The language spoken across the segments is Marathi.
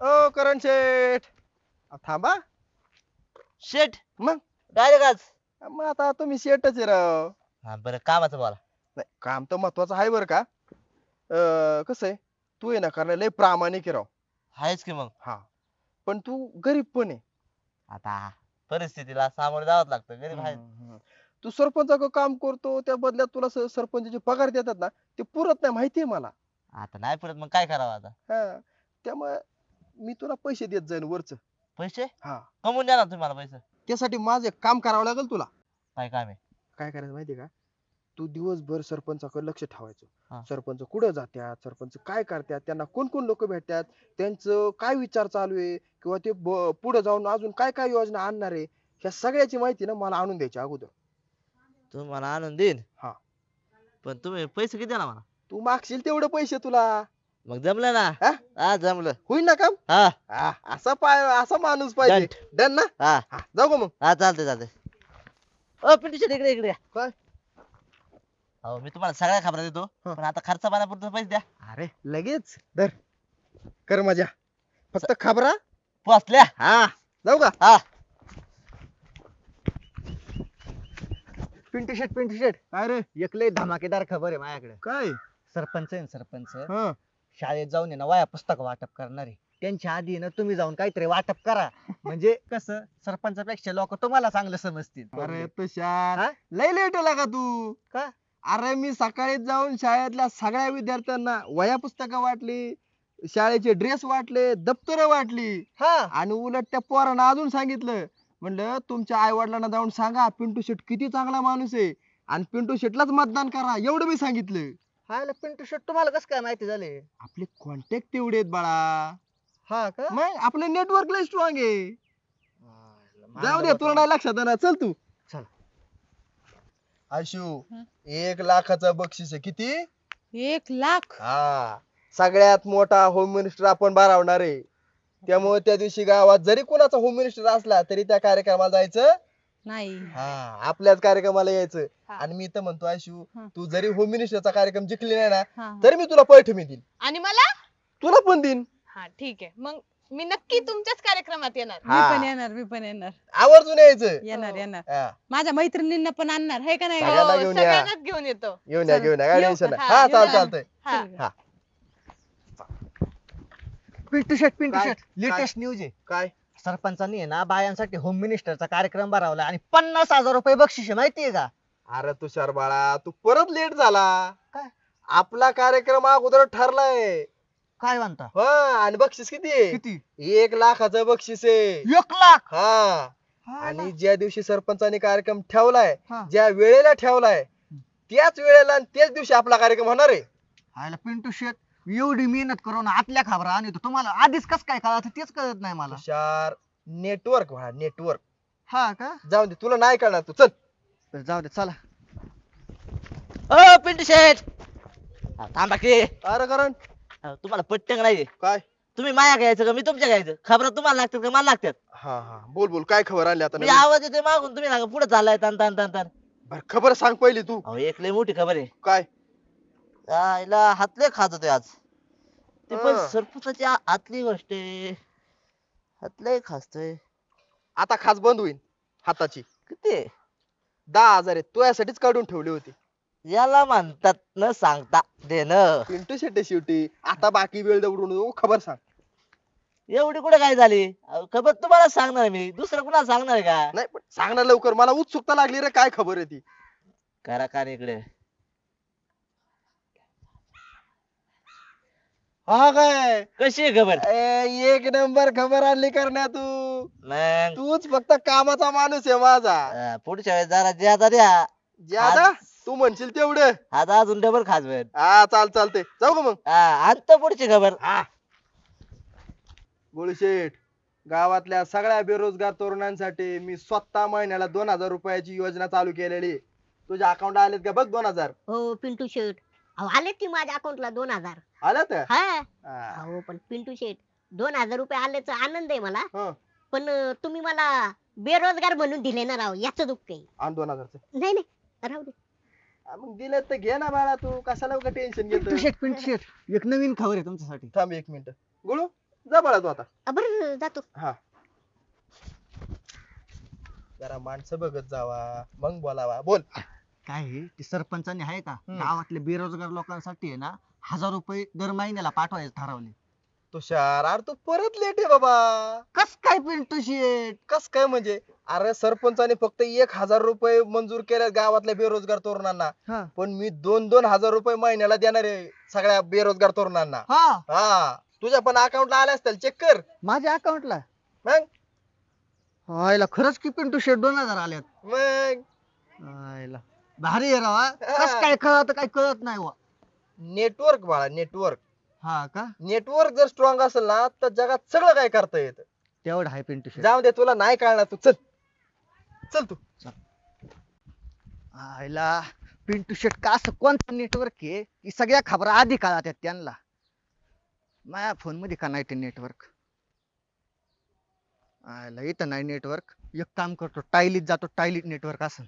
ओ करण शेठ थांबा. शेट मग डायरेक्ट आज. मग आता तुम्ही शेठच आहे राव. हा बरं कामाचं बोला. नाही काम तर महत्वाचं आहे बरं का. कसं आहे, तू आहे ना कारण लय प्रामाणिक आहे राव. आहेच की मग. हा पण तू गरीब पण आहे. आता परिस्थितीला सामोरं जावंच लागतं, गरीब आहे. हम्म. तू सरपंचाचं काम करतो त्या बदल्यात तुला सरपंचाचे पगार देतात ना, ते पुरत नाही माहितीये मला. आता नाही परत मग काय करावं आता. हा त्यामुळे मी तुला पैसे देत जाईन वरच. पैसे हा कमवून द्या ना तुम्ही मला पैसे. त्यासाठी माझं एक काम करावं लागेल तुला. काय काम आहे. काय करायचं माहितीये का, तू दिवसभर सरपंचाकडे लक्ष ठेवायचं. हा. सरपंच कुठं जात्यात, सरपंच काय करतात, त्यांना कोण कोण लोक भेटतात, त्यांचं काय विचार चालू आहे, किंवा ते पुढे जाऊन अजून काय काय योजना आणणार आहे, ह्या सगळ्याची माहिती ना मला आणून द्यायची अगोदर. तू मला आणून देईन. हा पण तुम्ही पैसे किती द्या मला. तू मागशील तेवढे पैसे तुला. मग जमलं ना. हा? हा जमलं. होईल ना काम. हा हा, असा माणूस पाहिजे. डन ना. हा हा, जाऊ का मग. हा चालतंय चालतंय. ओ पिंटू शेट इकडे इकडे या. काय हो मी तुम्हाला सगळ्या खबरा देतो. हा. पण आता खर्च पाण्यापुरतं पैसे द्या. अरे लगेच धर कर मजा, फक्त खबरा. पोचल्या. हा जाऊ का. हा पिंटू शेट काय रे. एक लय धमाकेदार खबर आहे माझ्याकडे. काय सरपंच आहे ना, सरपंच हा शाळेत जाऊन आहे ना वया पुस्तक वाटप करणार आहे. त्यांच्या आधी ना तुम्ही जाऊन काहीतरी वाटप करा. म्हणजे कसं सरपंचापेक्षा लोक तुम्हाला चांगलं समजतील. अरे तुषार हा? लय लेट आला का तू. का? अरे मी सकाळी जाऊन शाळेतल्या सगळ्या विद्यार्थ्यांना वह्या पुस्तकं वाटली, शाळेचे ड्रेस वाटले, दप्तर वाटली, हा आणि उलट त्या पोरांना अजून सांगितलं, म्हणलं तुमच्या आई वडिलांना जाऊन सांगा पिंटू शेट किती चांगला माणूस आहे आणि पिंटू शेटलाच मतदान करा, एवढं मी सांगितलं. हा पिंटू शेट तुम्हाला कसं काय माहिती झाले. आपले कॉन्टॅक्ट तेवढे आहेत बाळा. हा का. मग आपलं नेटवर्क लय स्ट्रॉंग आहे. हा, जाऊ दे तुला नाही लक्षात येणार. चल तू. चल. आशू 1,00,000चं बक्षीस आहे. किती. 1,00,000. हा सगळ्यात मोठा होम मिनिस्टर आपण बारावणार आहे. त्यामुळे त्या दिवशी गावात जरी कोणाचा होम मिनिस्टर असला तरी त्या कार्यक्रमाला जायचं. नाही. हा आपल्याच कार्यक्रमाला यायचं. हा. आणि मी तर म्हणतो आशू, हा. तू जरी होम मिनिस्टरचा कार्यक्रम जिंकली नाही ना, हा. तरी मी तुला पैठणी देईन. आणि मला. तुला पण देईन. हा ठीक आहे, मग मी नक्की तुमच्याच कार्यक्रमात येणार. मी पण येणार, मी पण येणार. आवर्जून यायचं. येणार येणार. हा. माझ्या मैत्रिणींना पण आणणार आहे का नाही. सगळ्यांना हो, घेऊन या. सगळ्यांनाच घेऊन येतो. घेऊन या घेऊन या काय येऊ टेन्शन का? नाही. हा, हा येऊ चालतंय. हा. हा पिंटू काय? शेट लेटेस्ट न्यूज आहे. काय सरपंचांनी आहे ना बायांसाठी होम मिनिस्टरचा कार्यक्रम भरवला आणि 50,000 रुपये बक्षीस आहे माहितीये का. अरे तुषार बाळा तू परत लेट झाला. काय? आपला कार्यक्रम अगोदर ठरलाय. काय म्हणता. हा आणि बक्षीस किती आहे. किती. 1,00,000चं बक्षीस आहे. 1,00,000. हा आणि ज्या दिवशी सरपंचाने कार्यक्रम ठेवलाय, हा. ज्या वेळेला ठेवलाय, त्याच वेळेला आणि त्याच दिवशी आपला कार्यक्रम होणार आहे. आयला पिंटू शेट एवढी मेहनत करून आतल्या खबरा आणि तुम्हाला आधीच कस काय कळत तेच कळत नाही मला. तुषार नेटवर्क व्हा नेटवर्क. हा का. जाऊ दे तुला नाही कळणार. तू चल. बरं, जाऊ दे चला. ओ पिंटू शेट. हा, थांबा की. अरे करण तुम्हाला पट्टंग नाही. काय. तुम्ही माया घ्यायचं का मी तुमच्या घ्यायचं. खबरा तुम्हाला लागतात का मला लागतात. हा हा बोल बोल काय खबर आली आता मी नवीन? आवाज येतोय मागून तुम्ही सांगा पुढे चाललाय तान तान तान तान. बरं खबर सांग पहिली तू. अहो एक लय मोठी खबर आहे. काय. आईला हातले खात होते आज. ते पण हा. सरपंचाची आतली गोष्ट आहे. हातले खातोय. आता खास बंद होईल हाताची. किती आहे? 10,000 आहेत तुझ्यासाठीच काढून ठेवली होती. याला म्हणतात न सांगता देणं. पिंटू शेट्टी शेवटी आता बाकी वेळ दवडून खबर सांग. एवढी कुठे काय झाली. अहो, खबर तुम्हाला सांगणार मी दुसरं कुणाला सांगणार आहे का. नाही पण सांगणार लवकर मला उत्सुकता लागली रे काय खबर आहे ती. करा का रे इकडे. हा काय. कशी आहे खबर. एक नंबर खबर आणली करण्या तू. मग तूच फक्त कामाचा माणूस आहे माझा. पुढच्या वेळेस जरा ज्यादा द्या. ज्यादा तू म्हणशील तेवढं. आता अजून डबल खासवेल. हा चालते जाऊ का मग. आणतो पुढची खबर. हा गुळशेठ गावातल्या सगळ्या बेरोजगार तरुणांसाठी मी स्वतः महिन्याला 2,000 रुपयाची योजना चालू केलेली आहे. तुझ्या अकाउंट आलेत का बघ 2,000. हो पिंटू शेट, अहो आलेत की माझ्या अकाउंटला 2,000. आल्यात. हा हा. अहो पण पिंटू शेट 2,000 रुपये आल्याचा आनंद आहे मला. हं. पण तुम्ही मला बेरोजगार म्हणून दिले ना राव, याचं दुःख आहे. आण 2,000. नाही नाही राहू दे. मग दिले तर घे ना बाळा तू कशाला उगा टेन्शन पिंटू घेतो. शेट एक नवीन खबर आहे तुमच्यासाठी. थांब 1 मिनिट. गुळू जा बाळा तू आता. बरं जातो. हा, जरा माणसं बघत जावा मग बोलावा. बोल. काय आहे, ते सरपंचाने आहे का हम्म. गावातल्या बेरोजगार लोकांसाठी आहे ना 1000 रुपये दर महिन्याला पाठवायचे ठरवले. तुषार अरे तू परत लेट आहे बाबा. कस काय पिंटू शेट? कस काय म्हणजे? अरे सरपंचाने फक्त 1,000 रुपये मंजूर केले गावातल्या बेरोजगार तरुणांना, हा पण मी 2,000 रुपये महिन्याला देणार आहे सगळ्या बेरोजगार तरुणांना. हा हा, तुझ्या पण अकाउंटला आले असतील, चेक कर. माझ्या अकाउंटला मग आयला खरंच की पिंटू शेट 2000 आल्यात. मग आयला भारी आहे राव हा. कस काय कळत काय कळत नाही वा. नेटवर्क बाळा, नेटवर्क. हा का नेटवर्क जर स्ट्रॉंग असेल ना तर जगात सगळं काय करता येतं. तेवढं आहे पिंटू शेट. जाऊ दे, तुला नाही कळणार. तू चल, चल तू. आयला पिंटू शेट का असं कोणतं नेटवर्क आहे की सगळ्या खबर आधी कळतात त्यांना. माझ्या फोन मध्ये का नाही ते नेटवर्क? आयला इथं नाही नेटवर्क. एक काम करतो, टायलीत जातो, टायलीत नेटवर्क असेल.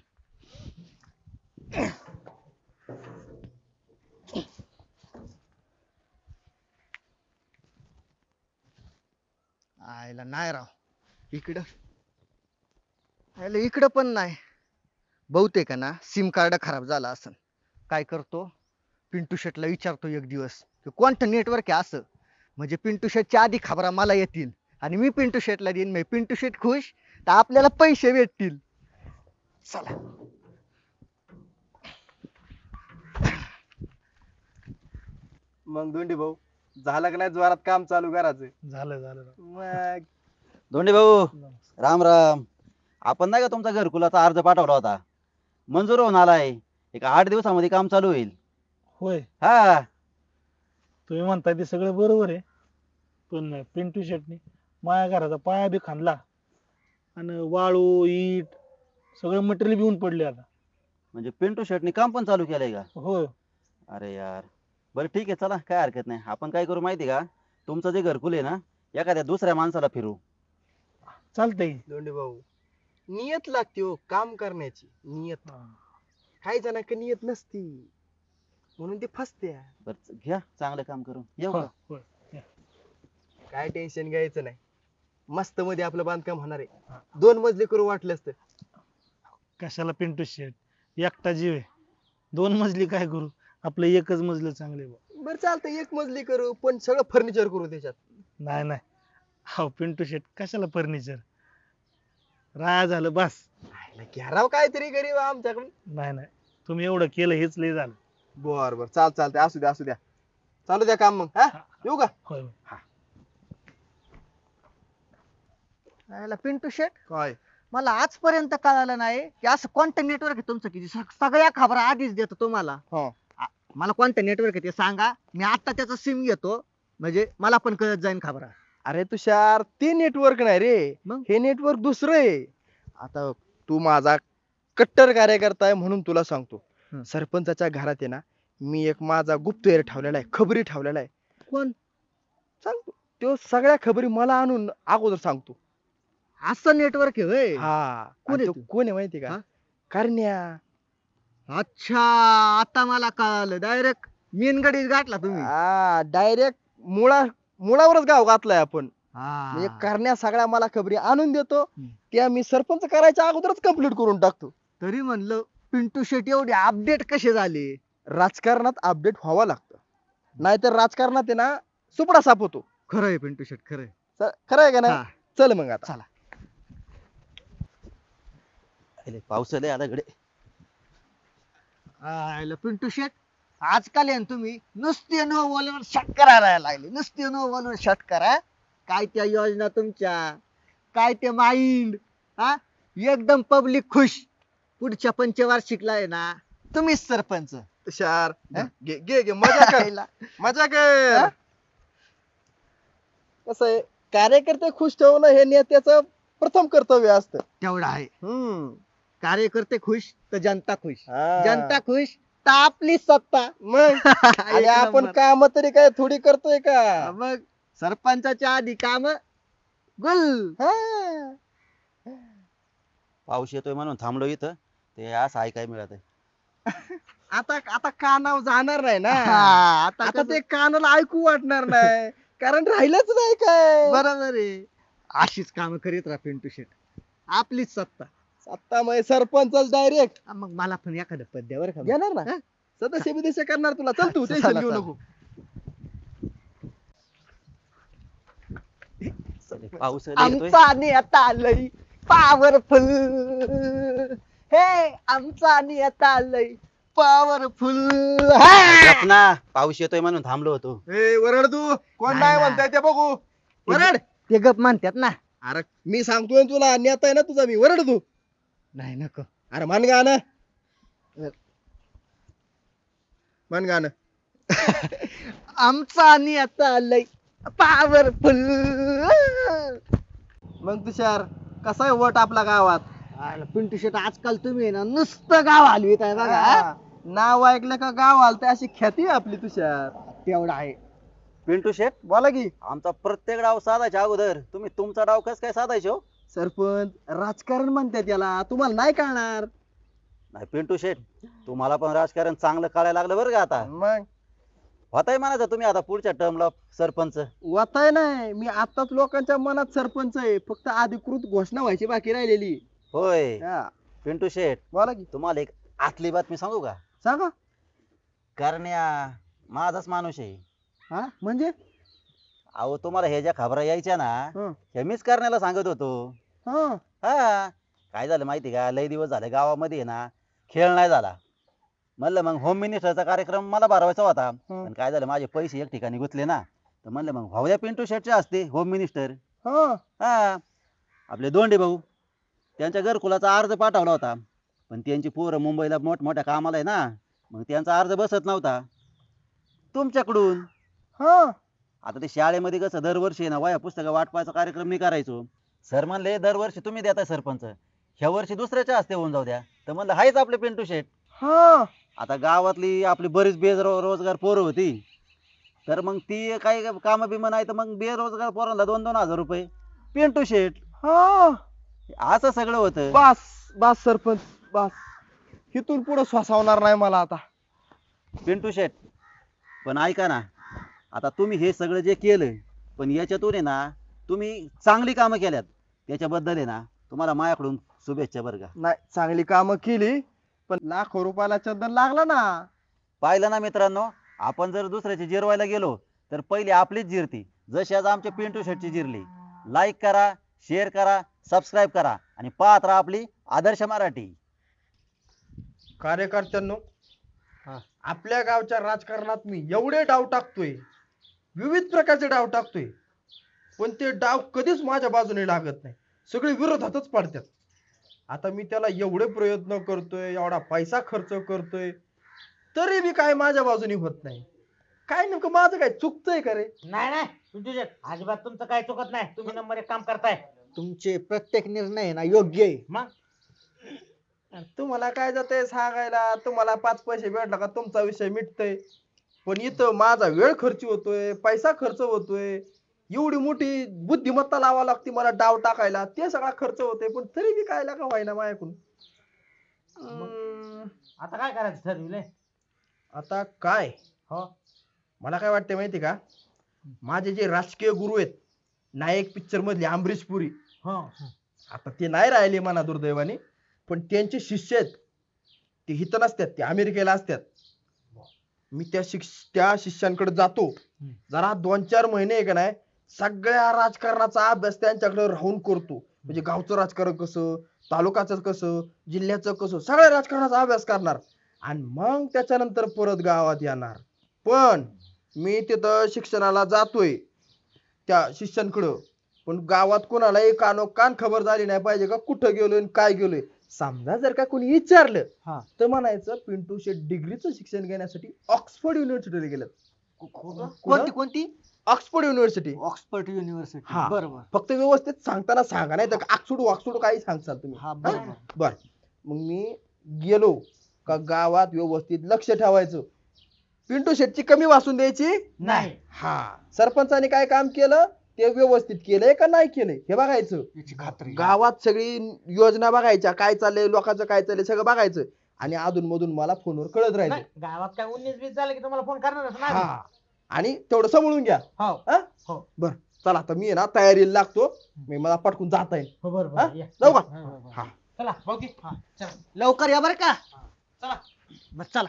आयला नाही राव इकडं. आयला इकडं पण नाही. बहुतेक आहे ना सिम कार्ड खराब झाला असेल. काय करतो, पिंटू शेटला विचारतो एक दिवस की कोणतं नेटवर्क आहे असं, म्हणजे पिंटू शेटच्या आधी खबरा मला येतील आणि मी पिंटू शेटला देईन. म्हणजे पिंटू शेट खुश तर आपल्याला पैसे भेटतील. चला. मग दोंडी भाऊ, झालं का नाही जोरात काम चालू करायचं? झालं झालं मग धोंडे भाऊ राम राम. आपण नाही का तुमचा घरकुलाचा अर्ज पाठवला होता, मंजूर होऊन आलाय. एक 8 दिवसामध्ये काम चालू होईल. होय. हा तुम्ही म्हणताय ते सगळं बरोबर आहे, पण पिंटू शेटनी माझ्या घराचा पाया बी खांदला आणि वाळू इट सगळं मटेरियल घेऊन पडले आता. म्हणजे पिंटू शेटनी काम पण चालू केलंय का? होय. अरे यार, बरं ठीक आहे, चला काय हरकत नाही. आपण काय करू माहिती का, तुमचं जे घरकुल आहे ना एखाद्या दुसऱ्या माणसाला फिरू. चालतंय. दोंडी भाऊ, नियत लागते हो काम करण्याची. नियत काही जणांकडे नियत नसती म्हणून ते फसते. बरं घ्या, चांगलं काम करून येऊ होय, का? होय. काय टेन्शन घ्यायचं नाही. मस्त मध्ये आपलं बांधकाम होणार आहे. 2 मजली करू वाटलं असतं. कशाला पिंटू शेट, एकटा जीव आहे. 2 मजली काय करू, आपलं एकच मजलं चांगले. बरं चालतं, 1 मजली करू पण सगळं फर्निचर करू त्याच्यात. नाही नाही, हो पिंटू शेट कशाला फर्निचर, राया झालं बस. घ्याराव काहीतरी गरीब आमच्याकडून. नाही नाही, तुम्ही एवढं केलं हेच लय झालं. बर बर, चालतंय. असू द्या, असू द्या, चालू द्या काम. मग हा, येऊ का? होय होय. आयला पिंटू शेट, काय मला आजपर्यंत कळालं नाही की असं कोणतं नेटवर्क आहे तुमचं की सगळ्या खबरा आधीच देतो तुम्हाला. हो. मला कोणतं नेटवर्क आहे ते सांगा, मी आता त्याचं सिम घेतो, म्हणजे मला पण कळत जाईन खबरा. अरे तुषार, ते नेटवर्क नाही रे, मग? हे नेटवर्क दुसरं आहे. आता तू माझा कट्टर कार्यकर्ता आहे म्हणून तुला सांगतो. हं. सरपंचाच्या घरात आहे ना, मी एक माझा गुप्तहेर ठेवलेला आहे, खबरी ठेवलेला आहे. कोण? सांगतो, तो सगळ्या खबरी मला आणून अगोदर सांगतो. असं नेटवर्क आहे होय? हा, कोण आणि आहे तो तू? कोण आहे माहिती का? हा? करण्या. अच्छा, आता मला कळालं. डायरेक्ट मेनगडीच गाठला तुम्ही. हा, डायरेक्ट मुळावरच गाव घातलाय आपण. म्हणजे हा. करण्या सगळ्या मला खबरी आणून देतो, हं. त्या मी सरपंच करायच्या अगोदरच कम्प्लीट करून टाकतो. तरी म्हणलं पिंटू शेट एवढे अपडेट कसे झाले? राजकारणात अपडेट व्हावं लागतं, नाहीतर राजकारणात आहे ना सुपडा साप होतो. खरं आहे पिंटू शेट, खरं आहे. खरं आहे का हा. नाही? चल मग आता. चला. अरे, पाऊस आलाय आता इकडे. आयला पिंटू शेट, आजकाल आहे ना तुम्ही नुसते नो बॉलवर शॉट करायला लागले. नुसते नो बॉलवर शॉट करा. काय त्या योजना तुमच्या, काय ते माइंड, हा एकदम पब्लिक खुश. पुढच्या पंचवार्षिकला आहे ना तुम्हीच सरपंच. तुषार, हा? घे घे घे, मजा कर, आयला. मजा कर. हा? कसं आहे, कार्यकर्ते खुश ठेवणं हे नेत्याचं प्रथम कर्तव्य असतं. तेवढं आहे. हम्म. कार्यकर्ते खुश तर जनता खुश. हा. जनता खुश तर आपली सत्ता. मग आणि एक आपण नंबर. काम तरी काय थोडी करतोय का? मग सरपंचाच्या आधी काम गुल. हा. पाऊस येतोय म्हणून थांबलो इथं, ते असं ऐकाय मिळत आहे. आता आता कानावर जाणार नाही ना. हा, आता कसं- ते कानाला ऐकू वाटणार नाही. राजकारण राहिलंच नाही काय. बरोबर आहे. अशीच काम करीत राहा पिंटू शेट, आपलीच सत्ता. सत्तामय सरपंच डायरेक्ट मग मला पण एखादं पद द्या बरं का. घेणार ना. हा? सदस्य बिदस्य करणार तुला. चल तू चला, टेन्शन घेऊ चला. नको. पाऊस येतोय. आमचा नेता लय पॉवरफुल, हे आमचा नेता लय पॉवरफुल. गप ना, पाऊस येतोय म्हणून थांबलो होतो. ए वरड तू. कोण नाही नाही ना. म्हणताय ते बघू. वरड. ते गप म्हणतात ना. अरे मी सांगतोय ना तुला, नेता आहे ना तुझा मी. वरड तू. नाही नको. अरे मन गाणं. मन गाणं. आमचा नेता लय पॉवरफुल. मग तुषार कसा आहे वट आपला गावात? पिंटू शेट आजकाल तुम्ही ना नुसतं गाव हलवीत आहे बघा. हा. नाव ऐकलं का गाव आलत अशी ख्याती आहे आपली तुषार. तेवढा आहे. पिंटू शेट, बोला की. आमचा प्रत्येक डाव साधायच्या अगोदर तुम्ही तुमचा डाव कस काय साधायचे हो? सरपंच राजकारण म्हणतात त्याला, तुम्हाला नाही कळणार. नाही पिंटू शेट, तुम्हाला पण राजकारण चांगलं कळायला लागलं बरं का आता. मग होताय म्हणायचं तुम्ही आता पुढच्या टर्मला सरपंच. वताय नाही, मी आताच लोकांच्या मनात सरपंच आहे. फक्त अधिकृत घोषणा व्हायची बाकी राहिलेली. होय हा. पिंटू शेट, बोला की. तुम्हाला एक आतली बातमी सांगू का? सांगा. करण्या माझाच माणूस आहे. हा म्हणजे अहो तुम्हाला हे ज्या खबरा यायच्या ना, हं. हे मीच करण्याला सांगत होतो. हा. हा, काय झालं माहिती का, लय दिवस झाले गावामध्ये आहे ना खेळ नाही झाला. म्हणलं मग होम मिनिस्टरचा कार्यक्रम मला भरवायचा होता, पण काय झालं माझे पैसे एक ठिकाणी गुंतले ना, तर म्हणलं मग भाऊया पिंटू शेटचे असते होम मिनिस्टर. हा. हा, आपले दोंडे भाऊ त्यांच्या घरकुलाचा अर्ज पाठवला होता, पण त्यांची पोरं मुंबईला मोठमोठ्या कामाला आहे ना, मग त्यांचा अर्ज बसत नव्हता तुमच्याकडून. हा. आता ते शाळेमध्ये कसं दरवर्षी आहे ना वह्या पुस्तकं वाटपायचा कार्यक्रम मी करायचो. सर म्हणले दरवर्षी तुम्ही देताय सरपंच, ह्या वर्षी दुसऱ्याच्या हस्ते होऊन जाऊ द्या. तर म्हणलं हायच आपले पिंटू शेट. हा. आता गावातली आपली बरीच बेरोजगार पोरं होती, तर मग ती काही काम बिम नाही, तर मग बेरोजगार पोरांना 2-2 हजार रुपये पिंटू शेट. हा. असं सगळं होतं. बस बस सरपंच बस. इथून पुढे श्वासावणार नाही मला आता. पिंटू शेट, पण ऐका ना, आता तुम्ही हे सगळं जे केलं, पण याच्यातून आहे ना तुम्ही चांगली कामं केल्यात, त्याच्याबद्दल आहे ना तुम्हाला माझ्याकडून शुभेच्छा बरं का. नाही, चांगली कामं केली, पण लाखो रुपयाला चंदन लागला ना. पाहिलं ना मित्रांनो, आपण जर दुसऱ्याची जिरवायला गेलो तर पहिली आपलीच जिरती, जशी आज आमच्या पिंटू शेटची जिरली. लाईक करा, शेअर करा, सबस्क्राईब करा आणि पाहत राहा आपली आदर्श मराठी. कार्यकर्त्यांनो, आपल्या गावच्या राजकारणात मी एवढे डाव टाकतोय, विविध प्रकारचे डाव टाकतोय, पण ते डाव कधीच माझ्या बाजूने लागत नाही, सगळे विरोधातच पडतात. आता मी त्याला एवढे प्रयत्न करतोय, एवढा पैसा खर्च करतोय, तरी बी काय माझ्या बाजूने होत नाही. काय नेमकं माझं काय चुकतंय का रे? नाही नाही पिंटू शेट, अजिबात तुमचं काय चुकत नाही. तुम्ही नंबर 1 काम करताय. तुमचे प्रत्येक निर्णय ना योग्य आहे. मग तुम्हाला काय जातंय सांगायला, तुम्हाला 5 पैसे भेटला का तुमचा विषय मिटतोय, पण इथं माझा वेळ खर्च होतोय, पैसा खर्च होतोय, एवढी मोठी बुद्धिमत्ता लावा लागते मला डाव टाकायला, ते सगळा खर्च होतोय, पण तरी बी काय लागा व्हायना माझ्याकडून. आता काय करायचं ठरविलंय? आता काय, हो, मला काय वाटतंय माहिती का, माझे जे राजकीय गुरु आहेत, नायक पिक्चर मधले अमरीश पुरी, हो, आता ते नाही राहिले म्हणा दुर्दैवाने, पण त्यांचे शिष्य आहेत, ते हित नसतात, ते अमेरिकेला असतात. मी त्या शिष्यांकडे जातो, जरा 2-4 महिने आहे का नाही, सगळ्या राजकारणाचा अभ्यास त्यांच्याकडे राहून करतो. म्हणजे गावचं राजकारण कसं, तालुक्याचं कसं, जिल्ह्याचं कसं, सगळ्या राजकारणाचा अभ्यास करणार आणि मग त्याच्यानंतर परत गावात येणार. पण मी तिथं शिक्षणाला जातोय त्या शिष्यांकडं, पण गावात कोणालाही कानोकान खबर झाली नाही पाहिजे का कुठं गेलोय आणि काय गेलोय. समजा जर का कोणी विचारलं तर म्हणायचं पिंटू शेट डिग्रीचं शिक्षण घेण्यासाठी ऑक्सफर्ड युनिव्हर्सिटीला गेलं. कोणती कोणती? Oxford university. Oxford university. हा. बरोबर. फक्त व्यवस्थित सांगताना सांगा, नाही तर ऑक्सफोर्ड काही सांगसाल तुम्ही. हा बरोबर. बर, मग मी गेलो का गावात व्यवस्थित लक्ष ठेवायचं, पिंटू शेटची कमी वाचून द्यायची नाही. हा. सरपंचाने काय काम केलं ते व्यवस्थित केलंय का नाही केलंय हे बघायचं. याची खात्री. गावात सगळी योजना बघायच्या, काय चाललंय लोकांचं, काय चाललंय सगळं बघायचं आणि अधून मधून मला फोनवर कळत राहायचं. नाही, गावात काय 19-20 झालं की तुम्हाला फोन करणारच हा. नाही. आणि तेवढं सांभाळून घ्या. हो हा? हो. बर चला आता मी आहे ना तयारीला लागतो. मी मला पटकून जाता येईल. हो बरं हा? बरं या. जाऊ का? हा, हा, हा. हा. चला भाऊकी चला लवकर या बरं का. चला. बरं चला.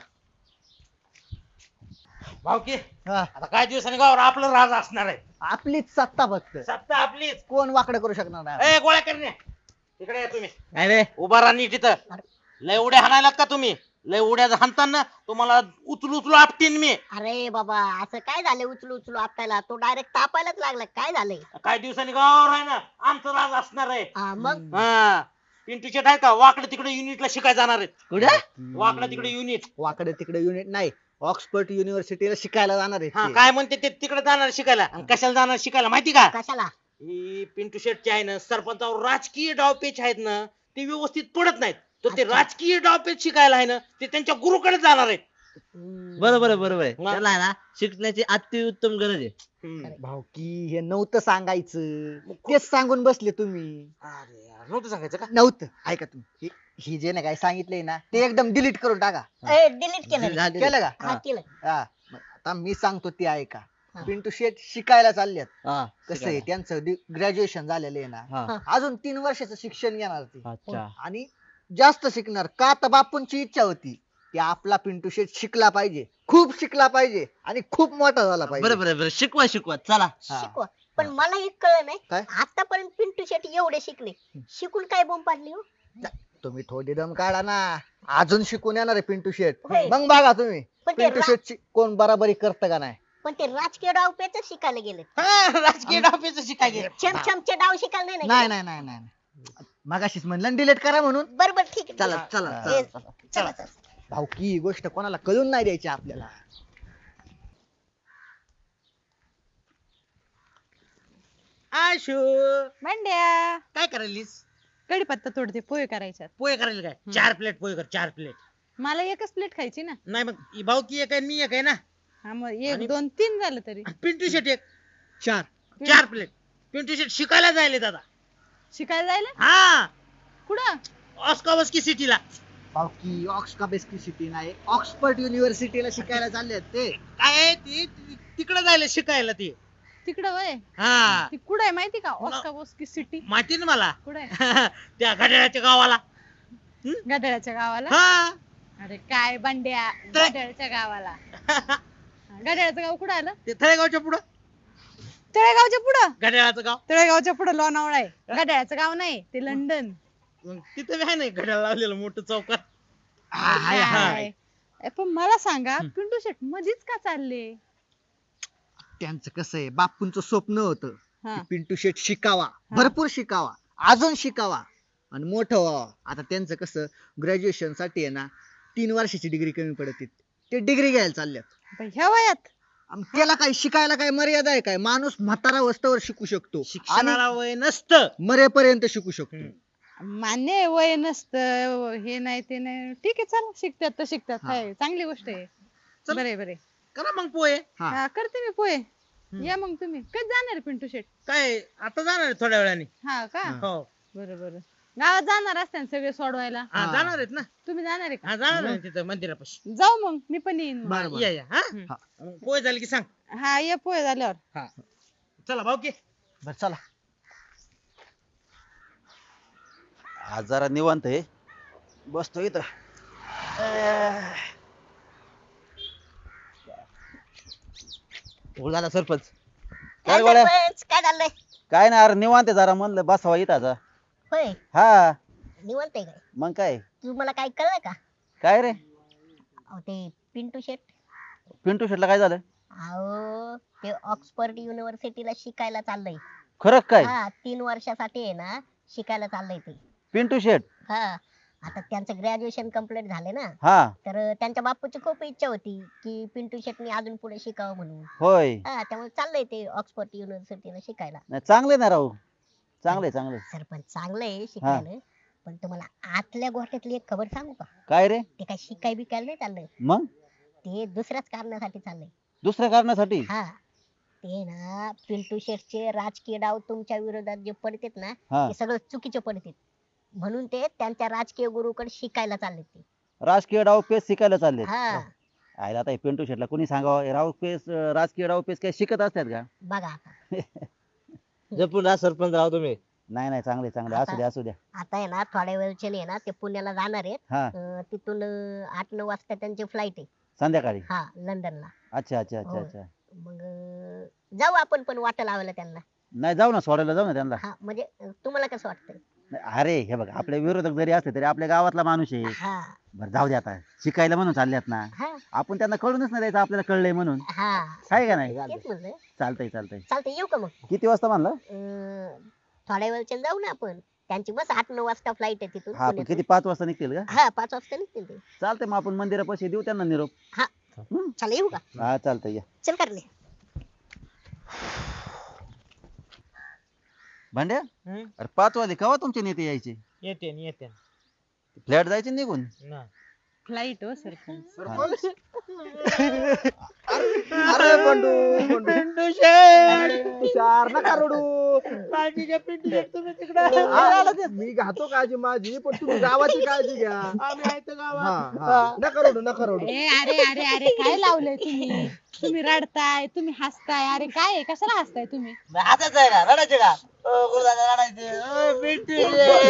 भाऊकी हा, आता काही दिवसांनी गावावर आपलं राज असणार आहे. आपलीच सत्ता फक्त, सत्ता आपलीच. कोण वाकडं करू शकणार नाही. ए गोळ्या करणे तिकडे या तुम्ही. नाही रे उभा राहा नीट तिथं. लय उड्या हाणायला का तुम्ही? लय उड्या हाणताना तुम्हाला उचलू उचलू आपटीन मी. अरे बाबा असं काय झालं उचलू उचलू आपल्याला तो डायरेक्ट तापायलाच लागला काय झालंय काही दिवसांनी गावावर आहे ना आमचं राज असणार आहे. हा, मग हा पिंटू शेट आहे का वाकडे तिकडे युनिटला शिकायला जाणार आहेत. कुठे? वाकडे तिकडे युनिट. वाकडे तिकडे युनिट नाही, ऑक्सफर्ड युनिव्हर्सिटीला शिकायला जाणार हा आहे. काय म्हणते ते तिकडे जाणार शिकायला. आणि कशाला जाणार शिकायला माहिती का? कशाला ही पिंटू शेटचे आहे ना सरपंचावर राजकीय डावपेच आहेत ना ते व्यवस्थित पडत नाहीत. तर ते राजकीय डावपेच शिकायला आहे ना ते त्यांच्या गुरुकडे जाणार आहेत. बरोबर आहे बरोबर आहे हा. त्याला आहे ना शिकण्याची अतिउत्तम गरज आहे. हम्म. भाऊकी हे नव्हतं सांगायचं, तेच सांगून बसले तुम्ही. अरे यार, नव्हतं सांगायचं का? नव्हतं. ऐका तुम्ही, ही जे ना काय सांगितलंय ना ते एकदम डिलीट करून टाका. डिलीट केलं रे. झाली. केलं का? हा केलं हा, मग आता मी सांगतो ते ऐका. हा. पिंटू शेठ शिकायला चाललेत. हा, कसं आहे त्यांचं ग्रॅज्युएशन झालेलं आहे ना, हा. अजून 3 वर्षाचं शिक्षण घेणार ते अच्छा आणि जास्त शिकणार का तर बापूंची इच्छा होती की आपला पिंटू शेठ शिकला पाहिजे, खूप शिकला पाहिजे आणि खूप मोठा झाला पाहिजे. बरोबर आहे बरं शिकवा शिकवा चला. हा. शिकवा पण मला एक कळलं नाही काय? आतापर्यंत पिंटू शेट्टी एवढे शिकले शिकून काय बोंब पाडली हो तुम्ही थोडी दम काढा ना, अजून शिकून येणार आहे पिंटू शेठ. होय. मग बघा तुम्ही पण ते पिंटू शेठ कोण बराबरी करतं का नाही. पण ते राजकीय डाव पेच शिकायला गेले हा, राजकीय डावपेच शिकायचे. छमछमचे डाव शिकायला नाही नाही ना नाही नाही नाही, मगाशीच म्हणलं डिलीट करा म्हणून. बरोबर ठीक आहे चला चला हा. चला, हे- चला. चला चला भाऊकी ही गोष्ट कोणाला कळून नाही द्यायची आपल्याला. आशू भांड्या काय करायलीस? कढीपत्ता तोडते पोहे करायच्यात. पोहे करायला काय? 4 प्लेट पोहे कर 4 प्लेट. मला एकच प्लेट खायची ना. नाही मग ही भाऊकी एक आहे आणि मी एक आहे ना. हा मग आणि- एक दोन तीन झालं तरी. पिंटू शेट एक 4 4 प्लेट. पिंटू शेट शिकायला जायले दादा. शिकायला जायला हा कुठं? ऑस्कावस्की सिटीला. भाऊकी ऑक्सफर्ड सिटी नाही, ऑक्सफर्ड युनिव्हर्सिटीला शिकायला चालले ते. काय आहे ते तिकडे जायला शिकायला ते. तिकडं वय हा ती कुठं आहे माहिती का ऑस्काबोस्की सिटी माहिती ना मला. कुठं आहे? त्या घड्याळाच्या गावाला. गडाळ्याच्या गावाला. हा अरे काय भांड्या तर- गडाळ्याच्या गावाला. गडाळ्याचं गाव कुठं आलं? ते थळेगावच्या पुढं तळेगावच्या पुढं. घड्याळाचं गाव. तळेगावच्या पुढं लोणावळा आहे. गडाळ्याचं गाव नाही ते लंडन. मग तिथं बी आहे ना घड्याळ लावलेलं मोठं चौकात. काय? पण मला सांगा पिंटू शेट मधीच का चालले? त्यांचं कसं आहे, बापूंचं स्वप्न होतं हा. की पिंटू शेठ शिकावा, भरपूर शिकावा, अजून शिकावा आणि मोठं व्हावा. आता त्यांचं कसं ग्रॅज्युएशन साठी आहे ना 3 वर्षाची डिग्री कमी पडते, ते डिग्री घ्यायला चालल्यात. पण ह्या वयात आणि त्याला काय शिकायला काय मर्यादा आहे काय? माणूस म्हातारा वस्तवर शिकू शकतो आणि शिक्षणाला वय नसतं. मरेपर्यंत शिकू शकतो. मान्य आहे वय नसतं हे नाही ते नाही ठीक आहे चला शिकतात तर शिकतात हा. हाय, चांगली गोष्ट आहे. चल. बरे बरे करा मग पोहे. हा. हा करते मी पोहे. या मग तुम्ही कधी जाणार आहे पिंटू शेट? काय आता जाणार आहे थोड्या वेळाने. हा का हा. हो बरं बरं गावात जाणार असते ना सगळे सोडवायला. हा हा. जाणार आहेत ना. तुम्ही जाणार आहे का? हा जाणार आहे तिथं मंदिरापाशी. जाऊ मग मी पण येईन मग. बरं, बरं. या या हा हम्म. मग पोहे झाले की सांग. हा ये पोहे झाल्यावर. हा चला भाऊकी. बरं चला. आज जरा निवांत आहे, बसतो इथं. बोल झाला सरपंच. काय गोळ्या? सरपंच, काय झालंय काय नाही अरे निवांत आहे, जरा म्हणलं बसावा इथं आता. होय हा निवंत आहे काय मग काय तुम्हाला काय कळलं का काय रे अहो ते पिंटू शेट पिंटू शेटला काय झालं? अहो ते ऑक्सफर्ड युनिव्हर्सिटीला शिकायला चाललंय खरं काय? हा 3 वर्षासाठी आहे ना शिकायला चाललंय ते पिंटू शेट. हा आता त्यांचं ग्रॅज्युएशन कम्प्लीट झाले ना हा तर त्यांच्या बापूची खूप इच्छा होती की पिंटू शेटनी अजून पुढे शिकावं म्हणून होय. हा त्यामुळे चाललंय ते ऑक्सफर्ड युनिव्हर्सिटीला शिकायला नाही चांगले ना राहू, चांगले चांगले. सरपंच चांगलंय शिकायला पण तुम्हाला आतल्या गोष्टीतली एक खबर सांगू का काय रे? ते काय शिकाय बिकायला नाही चाललंय मग ते दुसऱ्याच कारणासाठी चाललंय दुसऱ्या कारणासाठी? हा ते ना पिंटू शेटचे राजकीय डाव तुमच्या विरोधात जे पडतेत ना हा ते सगळं चुकीचे पडतेत म्हणून ते त्यांच्या राजकीय गुरुकडे शिकायला चालले ते राजकीय डाव पेच शिकायला चालले. हा आयला आता हे पिंटू शेटला कोणी सांगावं हे डावपेच राजकीय डावपेच काय शिकत असतात का? बघा आता जपून राहा सरपंच राव तुम्ही. नाही नाही चांगले चांगले असू द्या असू द्या. आता आहे ना थोड्या वेळचे ना ते पुण्याला जाणार आहेत. हा तिथून 8-9 वाजता त्यांची फ्लाईट आहे. संध्याकाळी. हा लंडनला. अच्छा अच्छा अच्छा हो. अच्छा. मग जाऊ आपण पण वाटा लावायला त्यांना. नाही जाऊ ना सोडायला जाऊ ना त्यांना. हा म्हणजे तुम्हाला कसं वाटतंय? नाही, अरे हे बघ आपले विरोधक जरी असले तरी आपल्या गावातला माणूस आहे. हा बरं जाऊ दे आता शिकायला म्हणून चालल्यात ना. हा आपण त्यांना कळूनच नाही द्यायचं आपल्याला कळलंय म्हणून. हा आहे का नाही? तेच म्हणलं. चालतंय चालतंय. चालतंय येऊ का मग? किती वाजता म्हणलं? थोड्या वेळचे जाऊ ना आपण. त्यांची बस 8-9 वाजता फ्लाईट आहे तिथून हा पण पुण्यातून. किती 5 वाजता निघतील का? हा 5 वाजता निघतील ते. चालतंय मग आपण मंदिरापाशी देऊ त्यांना निरोप. चला येऊ का? हा चालतंय या. चल करले. भांड्या हम्म? अरे 5 वाजले केव्हा तुमचे नेते यायचे? येते फ्लॅट जायचे निघून. ना. फ्लाईट हो सरपंच. अरे बंडू पिंटू शेट तुषार नका रडू. काळजीच्या पिंटू शेट तुम्ही तिकडे मी घातो काळजी माझी पण तुम्ही गावाची काळजी घ्या. आम्ही आहे तर गावात. हा हा नका रडू नका रडू. ए अरे अरे अरे काय लावलंय तुम्ही? तुम्ही रडताय, तुम्ही हसताय. अरे काय आहे? कशाला हसताय तुम्ही? हसायचं आहे का रडायचे का? गुरुदादा रडायचे. पिंटू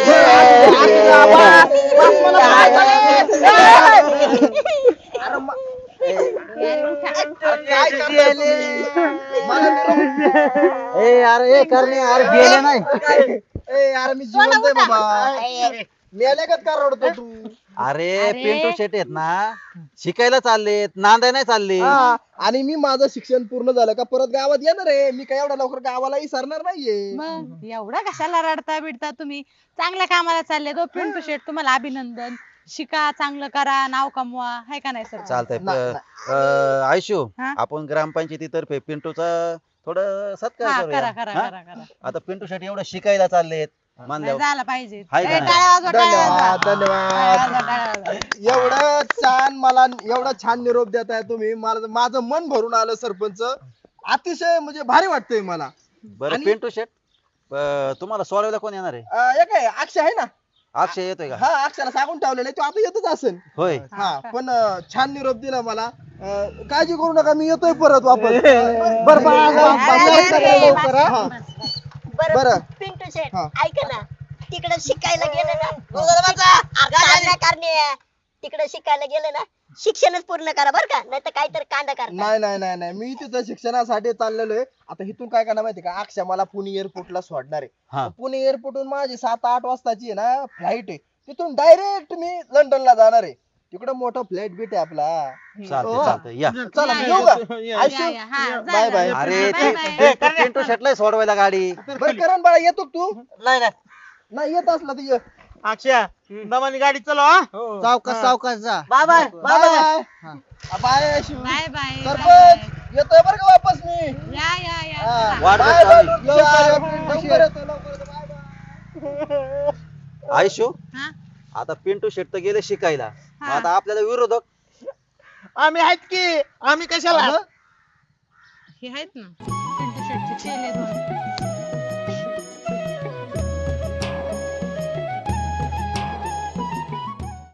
अरे म- यार, उठा. काय करताय तुम्ही? मला निरोप- ए अरे करणे अरे गेले नाही. ए अरे मी जिवंत आहे बाबा. मेल्यागत का रडतो तू? अरे अरे. पिंटू शेट आहेत ना शिकायला चाललेत नांदाय नाही चालले. हा, आणि मी माझं शिक्षण पूर्ण झालं का परत गावात येणार आहे. मी काय एवढ्या लवकर गावाला विसरणार नाहीये. मग एवढा कशाला रडता बिडता तुम्ही? चांगल्या कामाला चालले तो पिंटू शेट, तुम्हाला अभिनंदन. शिका, चांगलं करा, नाव कमवा, है का नाही सर? चालतंय ना- आयशू हा? आपण ग्रामपंचायतीतर्फे पिंटूचा थोडं सत्कार हा करूया. करा करा हा? करा करा. आता पिंटू शेट एवढं शिकायला चाललेत नाही, मानल्यावर झालं पाहिजे. हाय का ए, नाही? टाळ्या वाजवा, टाळ्या वाजवा. धन्यवाद टाळ्या धन्यवाद. वाजवा, टाळ्या वाजवा. एवढा छान निरोप देताय तुम्ही. मला माझं मन भरून आलं सरपंच. अतिशय म्हणजे भारी वाटतंय मला. बरं आणि- पिंटू शेट तुम्हाला सोडवायला कोण येणार आहे? एक आहे अक्षय आहे ना. अक्षय येतोय का? हा अक्षयला सांगून ठेवलेलं आहे. तो आता येतच असेल. होय हा पण छान निरोप दिला मला. काळजी करू नका मी येतोय परत वापस. बरं बा- अरे, अरे, अरे, लवकर हा. बस, बस. बरं बरं. पिंटू शेट हा. ऐका ना. तिकडे शिकायला गेले ना तिकडे शिकायला गेले ना शिक्षणच पूर्ण करा बरं का, नाही तर काहीतरी कांदा करा. नाही नाही नाही नाही मी तिथं शिक्षणासाठी चाललेलो आहे. आता इथून काय करणार माहिती का? अक्षय मला पुणे एअरपोर्टला सोडणार हा. आहे. पुणे एअरपोर्टहून माझी 7-8 वाजताची आहे ना फ्लाईट आहे. तिथून डायरेक्ट मी लंडनला जाणार आहे. तिकडे मोठा फ्लाईट बीट आहे आपला. चालतंय चालतंय या. चला या, मी येऊ का? या, आयशू, या, हा, जा, बाय जा. बाय. अरे बाय, ते बाय. पिंटू शेटला सोडवायला गाडी. बरं करण बाळा येतो का तू? नाही नाही नाही येत असला तर ये. अक्षय दमानी गाडी चला. सावकाश सावकाश जा. Bye bye bye bye. Bye Ayshu. Bye bye. Sarpanch येतोय बरं का वापस मी. या या या. हा. वाट बाय बघ बाय. चालली. लवकर येतो लवकर येतो. Bye bye. आयशू हा? आता पिंटू शेट तर गेले शिकायला. मग हा. आता आपल्याला विरोधक आम्ही आहेत की आम्ही कशाला हे आहेत ना पिंटू शेटचे चेले दोन.